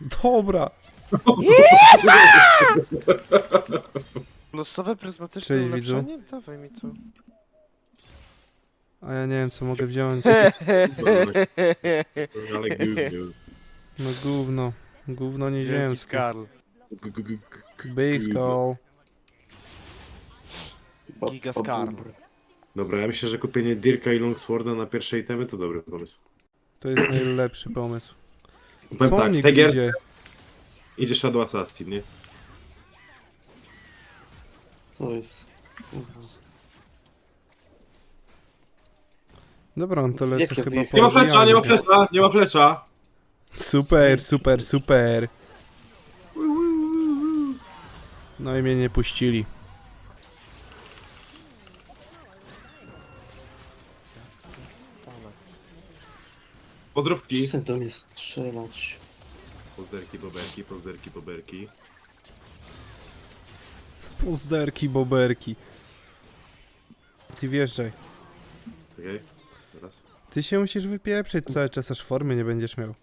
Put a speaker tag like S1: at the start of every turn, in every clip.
S1: Dobra.
S2: Losowe pryzmatyczne
S1: Cześć, widzu.
S2: ulepszenie? Dawaj mi to.
S1: A ja nie wiem, co mogę wziąć.
S3: Ale gówno.
S1: No gówno. Gówno
S2: Wielki
S1: nieziemskie.
S2: Skarl.
S1: Big Skull.
S2: Giga Skarl.
S3: Dobra, ja myślę, że kupienie Dirka i Longsworda na pierwsze itemy to dobry pomysł.
S1: To jest najlepszy pomysł.
S3: Powiem tak,
S1: Sonic
S3: w tej gier
S1: idzie.
S3: idzie Shadow Assassin, nie?
S4: To jest...
S1: Dobra, on to lecę
S4: Jakie
S1: chyba
S4: wyjście?
S1: po
S3: Nie ma flesza, nie ma
S1: odbijaniu.
S3: flesza, nie ma flesza!
S1: Super, super, super. No i mnie nie puścili.
S3: Pozdrówki.
S4: Przestań do mnie strzelać.
S3: Pozderki, boberki, pozderki, boberki.
S1: Pozderki, boberki. Ty wjeżdżaj.
S3: Okej, teraz.
S1: Ty się musisz wypieprzyć cały czas, aż formy nie będziesz miał.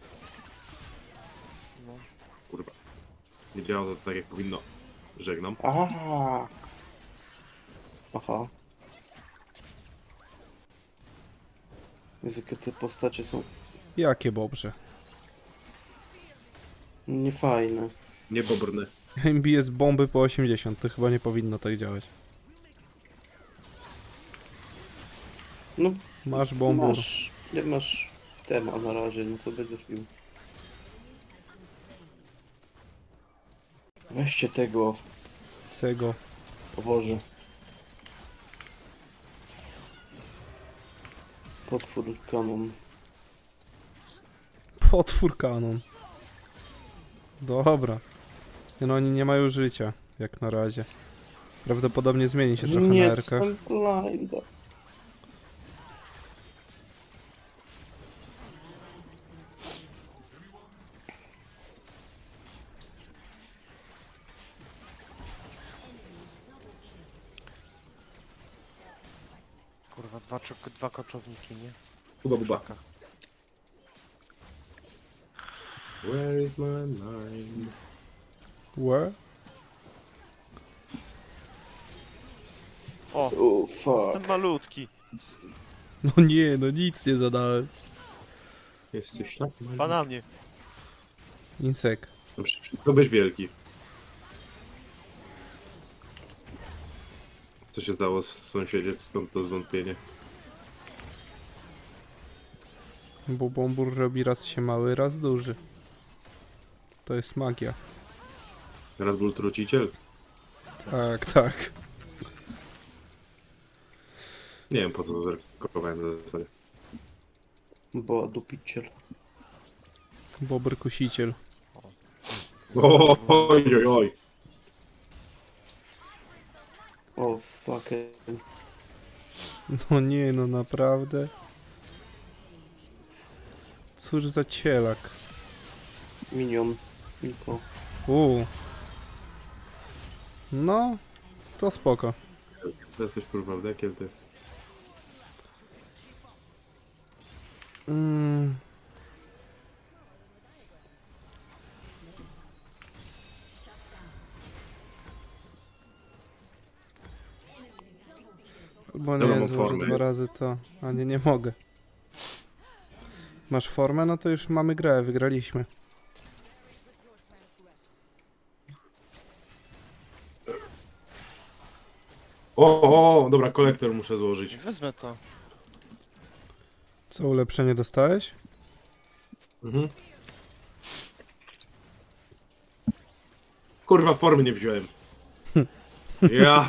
S3: Kurwa. Nie działa to tak jak powinno. Żegnam.
S4: Aha. Aha. Jezu, jakie te postacie są
S1: Jakie bobrze.
S4: niefajne.
S3: Nie bobrny.
S1: MBS bomby po 80, to chyba nie powinno tak działać.
S4: No,
S1: Masz bombę.
S4: nie masz tema na razie, no to będziesz pił. Weźcie tego,
S1: Cego.
S4: o Boże. Potwór kanon.
S1: Potwór kanon. Dobra. Nie no, oni nie mają życia, jak na razie. Prawdopodobnie zmieni się trochę
S4: Nie,
S1: na erkach.
S4: jestem blinda.
S2: Kurwa, dwa koczowniki, nie?
S3: Buba, buba.
S2: Czeka.
S3: Where is my mind?
S1: Where?
S2: O,
S4: Oh fuck.
S2: jestem malutki.
S1: No nie, no nic nie zadałem.
S3: Jesteś tak mały.
S2: Pa na mnie.
S1: Insek.
S3: To byś wielki. Co się stało z sąsiedzie, stąd to zwątpienie.
S1: Bo bombur robi raz się mały, raz duży. To jest magia.
S3: Teraz był truciciel.
S1: Tak, tak.
S3: Nie wiem po co to zerkowałem na zasadzie.
S4: Bo dupiciel.
S1: Bobr kusiciel.
S3: Oj, oj, oj.
S4: O fuck.
S1: No nie, no naprawdę. Cóż za cielak.
S4: Minion. Niko.
S1: No, to spoko.
S3: To jesteś kurwa wdekiem, ty.
S1: Mm. Albo
S3: Dobra,
S1: nie,
S3: mam
S1: złożę
S3: formę.
S1: 2 razy to. A nie mogę. Masz formę? No to już mamy grę, wygraliśmy.
S3: O, dobra, kolektor muszę złożyć.
S2: Wezmę to.
S1: Co, ulepszenie dostałeś?
S3: Mhm. Kurwa, formy nie wziąłem. Ja...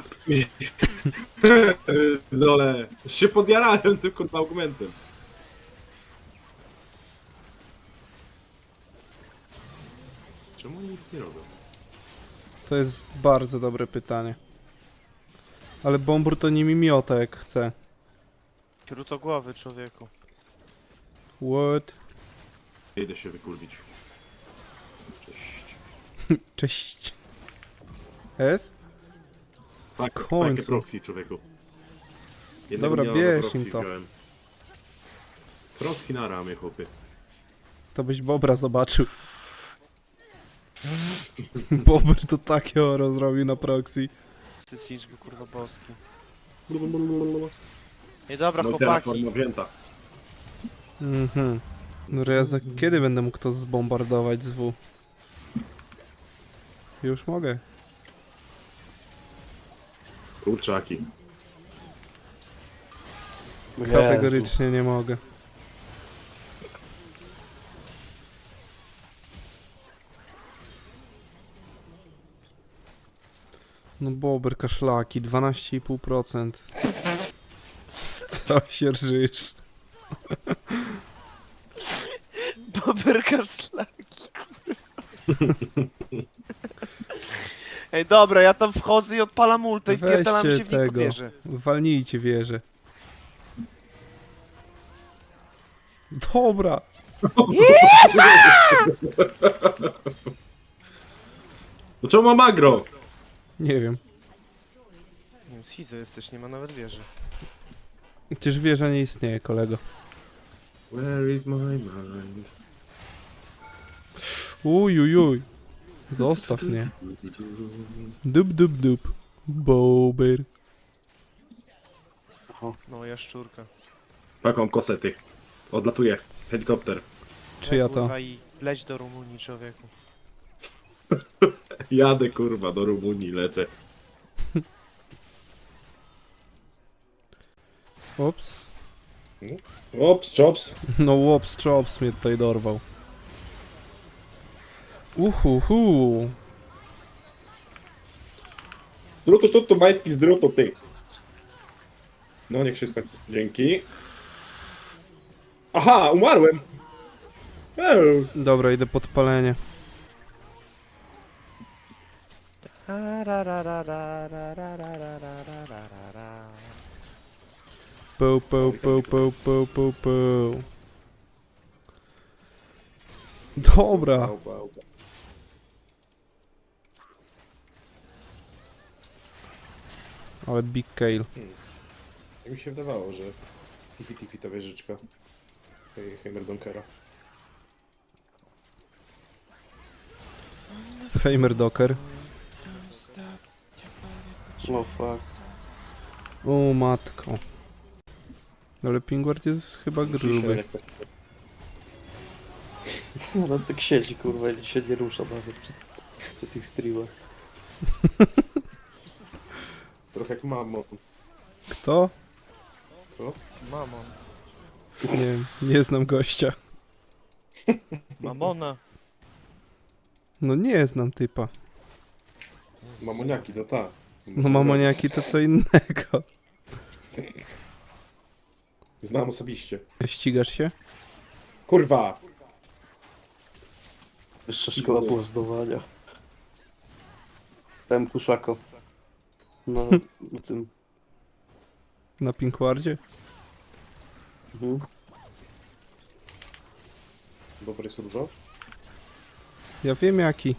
S3: Dole. Się podjarałem tylko tym argumentem. Czemu oni nic nie robią?
S1: To jest bardzo dobre pytanie. Ale bombur to nimi miota jak chce.
S2: Śrutogłowy, człowieku.
S1: What?
S3: Idę się wykurwić. Cześć.
S1: Cześć. S?
S3: Tak,
S1: końcu.
S3: takie proxy, człowieku. Jednego
S1: Dobra,
S3: dnia na
S1: bierz
S3: proxy
S1: im to.
S3: wziąłem. Proxy na ramię, chłopie.
S1: To byś bobra zobaczył. Bobber to takie oro zrobił na proxy.
S2: Sysiczby, kurwa boski. Ej, dobra,
S3: No i
S2: chłopaki.
S3: forma wzięta.
S1: Mhm. No Reza, kiedy będę mógł to zbombardować z W? Już mogę.
S3: Kurczaki.
S4: Jezu.
S1: Kategorycznie nie mogę. No Bobber kaszlaki, 12,5%. Co się rżysz?
S2: Boberka szlaki. Ej, dobra, ja tam wchodzę i odpalam ulta i wpierdalam się
S1: Weźcie
S2: w niego
S1: tego.
S2: wieżę.
S1: Walnijcie wieżę. Dobra.
S3: No czemu mam agro?
S1: Nie wiem.
S2: Nie wiem, schizo jesteś, nie ma nawet wieży.
S1: Przecież wieża nie istnieje, kolego.
S3: Where is my mind?
S1: Uj. Zostaw mnie. Dup. Bobber.
S2: No, jaszczurka.
S3: Taką kosety. Odlatuje. Helikopter.
S1: Czy ja to?
S2: Kurwa, i leć do Rumunii, człowieku.
S3: Jadę kurwa do Rumunii, lecę.
S1: Ops.
S3: Ops, chops.
S1: No łops, chops mnie tutaj dorwał. Uhuhu.
S3: Drutu, tu, majtki z drutu, ty. No, niech się skończy. Dzięki. Aha, umarłem.
S1: Dobra, idę podpalenie. Peł. Dobra. Ale big kale.
S3: Tak mi się wydawało, że Tiffy ta wieżyczka. Heimerdonkera.
S1: Famer Docker.
S4: No fuck.
S1: O matko. Ale Pingward jest chyba gruby.
S4: No tak siedzi kurwa i się nie rusza nawet przy tych streamach.
S3: Trochę jak mamo.
S1: Kto?
S3: Co?
S2: Mamon.
S1: Nie wiem, nie znam gościa.
S2: Mamona.
S1: No nie znam typa.
S3: Mamoniaki, to ta.
S1: No mamoniaki to co innego.
S3: Znam osobiście.
S1: Ścigasz się?
S3: Kurwa!
S4: Wyższa szkoła błazdowania. Tam kuszako. No, na tym.
S1: Na Pinkwardzie?
S4: Mhm.
S3: Dobry jest różo?
S1: Ja wiem jaki.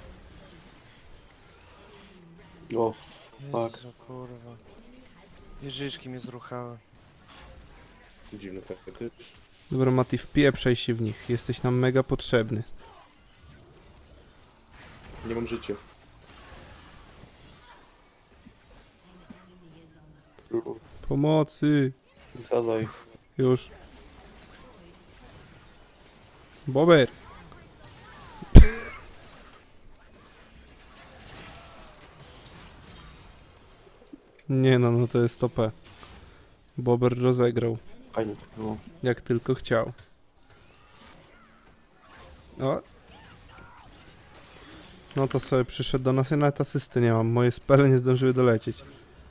S4: O fuck.
S2: Jezu, kurwa. Jeżyczki mnie zruchały.
S3: Dziwny fetysz.
S1: Dobra Mati, wpieprzaj się w nich. Jesteś nam mega potrzebny.
S3: Nie mam życia.
S1: Pomocy!
S4: Wysadzaj.
S1: Już. Bober! Nie no, no to jest OP. Bober rozegrał.
S4: Fajnie to było.
S1: Jak tylko chciał. O! No to sobie przyszedł do nas, ja nawet asysty nie mam. Moje spele nie zdążyły dolecieć.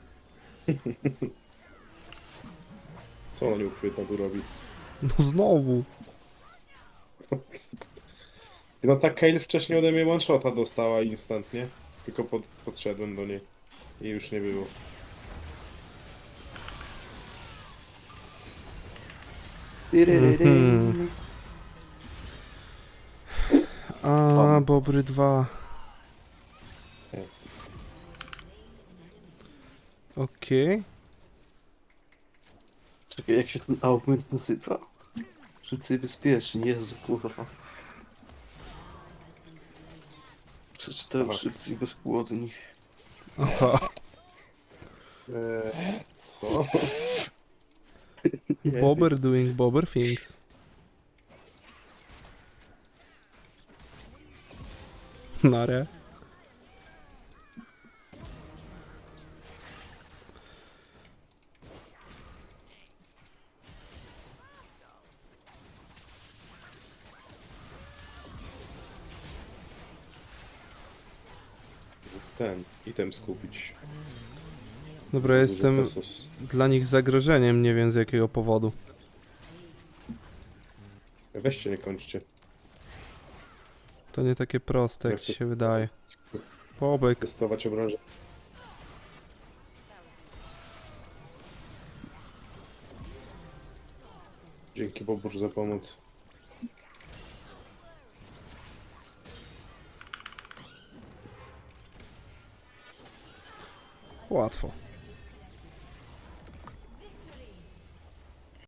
S3: Co on nieuchwytna tu robi?
S1: No znowu!
S3: No ta Kale wcześniej ode mnie one-shota dostała instantnie. Tylko podszedłem do niej. I już nie było.
S1: Mhm. A, Bobry 2. Okej.
S4: Czekaj, jak się ten augment nazywa? Rzucaj bezpiecznie, Jezu kurwa. Przeczytałem szybcy i bezpłodni.
S1: Aha.
S3: Co?
S4: Nie
S1: Bobber doing bobber things. Nare.
S3: Ten, item skupić.
S1: Dobra,
S3: Duży
S1: jestem
S3: pesos.
S1: dla nich zagrożeniem, nie wiem z jakiego powodu.
S3: Weźcie, nie kończcie.
S1: To nie takie proste, jak
S3: Ja
S1: ci
S3: chcę-
S1: się wydaje. Bobek.
S3: Testować obrażenia. Dzięki Bobur za pomoc.
S1: Łatwo.